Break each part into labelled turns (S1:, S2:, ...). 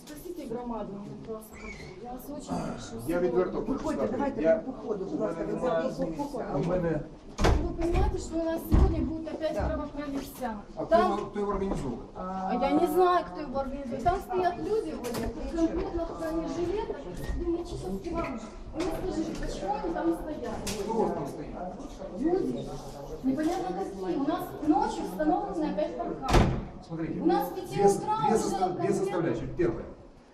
S1: Спросите громаду, мне просто я вас очень прошу.
S2: Я відверто хочу
S3: Виходьте,
S2: сказати.
S3: давайте по ходу, будь ласка,
S2: У мене...
S1: Вы понимаете, что у нас сегодня будет опять кровопролитие?
S2: А
S1: Там,
S2: хто його організовує?
S1: я не знаю, кто его организует. Там стоят люди, в конкретных бронежилетах, химических вооружений. Вы мне скажите, почему они там стоят?
S2: Хто у вас там стоїть?
S1: Люди, непонятно какие. У нас ночью установлены опять парканы.
S2: Смотрите,
S1: У нас с 5 утра уже
S2: две составляющие. Первое.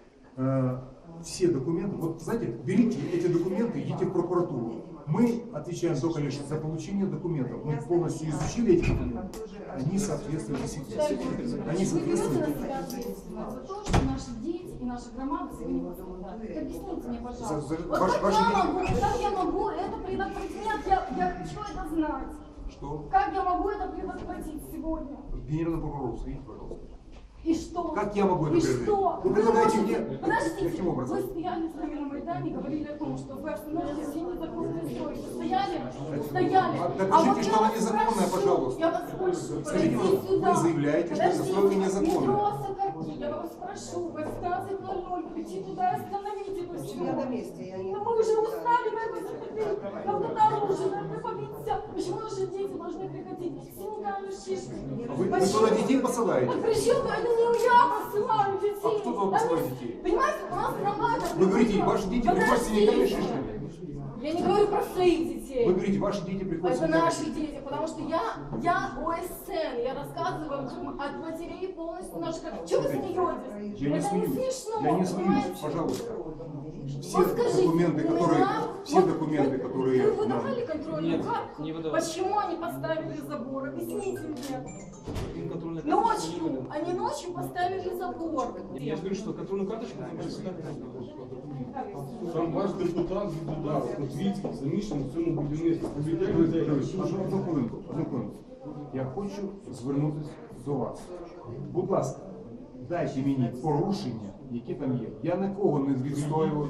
S2: Все документы, вот знаете, берите эти документы, идите в прокуратуру. Мы отвечаем только лишь за получение документов. Мы полностью изучили эти документы. Они соответствуют действительности. Они
S1: Вы берете
S2: соответствуют.
S1: на себя ответственность за то, что наши дети и наша громада сегодня пострадают. Так объясните мне, пожалуйста. Вот как я могу это предотвратить? Я хочу это знать.
S2: Что?
S1: Как я могу это предотвратить сегодня?
S2: Генеральный прокурор, следите, пожалуйста.
S1: И что?
S2: Как я могу это
S1: И
S2: предотвратить?
S1: что?
S2: Вы предлагаете мне...
S1: Подождите,
S2: Каким образом?
S1: вы стояли с нами на Майдане и говорили о том, что вы остановите все незаконные стройки. Стояли?
S2: Докажите, что она
S1: я вас
S2: незаконная,
S1: прошу,
S2: пожалуйста.
S1: Я вас прошу,
S2: Скажите,
S1: подойди сюда.
S2: вы заявляете, что эта стройка незаконная.
S1: Метро Сокарки, я вас прошу, в 18:00 прийти туда и остановить эту
S3: Я на
S1: стройку.
S3: месте, я не...
S1: Но мы уже устали на это смотреть. Нам туда уже надо побиться. Почему наши дети должны приходить с синяками, шишками?
S2: Вы туда детей посылаете?
S1: А причем это не я посылаю детей.
S2: А кто туда посылает детей?
S1: Понимаете, у нас громада.
S2: Вы говорите, ваши дети приходят с синяками и шишками.
S1: Я не говорю про своих детей.
S2: Вы говорите, ваши дети приходят с
S1: Это
S2: синяками.
S1: наши дети, потому что я ОСН, я рассказываю от матерей полностью наших. Чего вы смеетесь?
S2: Я не
S1: Это
S2: смеюсь.
S1: не смешно,
S2: Я не смеюсь,
S1: понимаете?
S2: пожалуйста. Все
S1: Вот скажите,
S2: документы,
S1: вы
S2: которые,
S1: нам-
S2: все
S1: вот
S2: документы,
S1: вы
S2: которые нам...
S1: выдавали контрольную
S4: Нет,
S1: карту?
S4: не выдавали.
S1: Почему они поставили забор? Объясните мне.
S4: Контрольная карточка не
S1: Ночью,
S4: выдана.
S1: они ночью поставили забор.
S4: Я же говорю, что контрольную карточку вы можете сюда.
S5: Сам ваш депутат від удару, Котвіцький, замішаний в цьому будівництві. Повідомляє людей.
S2: Одну хвилинку. Я хочу звернутися до вас. Будь ласка, дайте мені порушення, які там є. Я нікого не відстоював.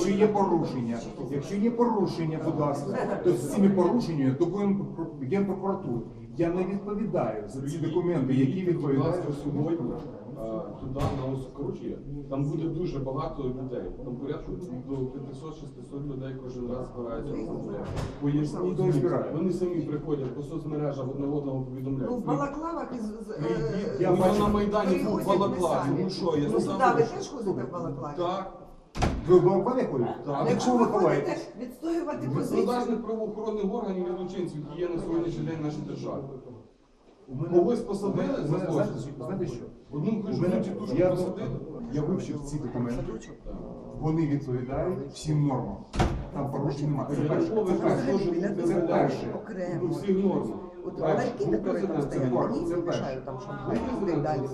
S2: Якщо є порушення, будь ласка, то з цими порушеннями до Генпрокуратури. Я не відповідаю за ці документи, які
S5: Будь ласка,
S2: відповідають.
S5: сьогодні туди на Осокорочі, там буде дуже багато людей. Там порядку до 500-600 людей кожен раз збираються. Поясніть,
S2: Ніхто не збирає.
S5: вони самі приходять по соцмережах одне одного повідомляють.
S3: Ну, в балаклавах із...
S2: Я
S5: Я
S2: бачу,
S5: на Майдані був в Балаклаві. Ну що, я
S3: Ну,
S5: сказав,
S3: сюди ви теж ходите в балаклаві?
S5: так.
S2: Ви в балконі ходите?
S5: Так.
S2: А
S3: Якщо
S2: чого
S3: ви
S2: ви
S3: ходите
S2: ховаєтесь?
S3: відстоювати
S5: Від
S3: позицію,
S5: продажних правоохоронних органів і злочинців, які є на сьогоднішній день в нашій державі.
S2: У мене-
S5: Когось посадили
S2: у
S5: за
S2: мене-
S5: злочин?
S2: знаєте що?
S5: Одну
S2: У
S5: кажу,
S2: мене-
S5: тітушку
S2: я-
S5: посадили?
S2: Я вивчив ці документи. Вони відповідають всім нормам. Там порушень немає. Це перше.
S5: Якщо ви
S2: Це перше.
S5: теж був
S2: Це
S5: президент,
S2: перше.
S3: окремо.
S5: у всіх нормах.
S3: От
S5: Так,
S3: ларьки,
S5: був
S3: які там
S5: президент, це
S3: стоять,
S5: норма.
S3: вони
S2: Це
S3: не
S2: перше.
S3: мішають там шампанське і далі.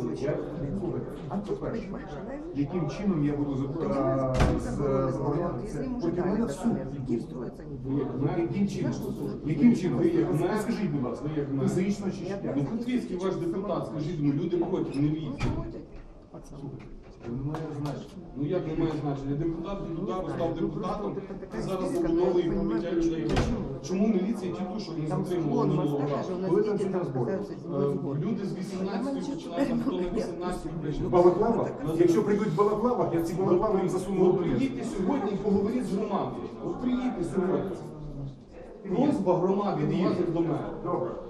S2: А це перше. Яким чином я буду забороняти? Проти мене в суд. Яким чином? Яким чином? Ви скажіть, будь ласка, ви заїчно чи що?
S5: Ну, Котвіцький ваш депутат, скажіть, ну люди проти, не війці.
S2: Це не має значення.
S5: Ну як не має значення? Депутат від удару став депутатом, і зараз забудовує побиття людей. Чому міліція тітушок не затримувала минулого разу?
S2: Коли там ці розбори?
S5: Люди з 18 починають, хто на 18
S2: В
S5: прийшли.
S2: балаклавах? Якщо прийдуть в балаклавах, я в ці балаклави їм засуну
S5: От
S2: в ліс.
S5: приїдьте сьогодні і поговоріть з громадою. От приїдьте сьогодні. Просьба громади від вас як до мене.
S2: Добре.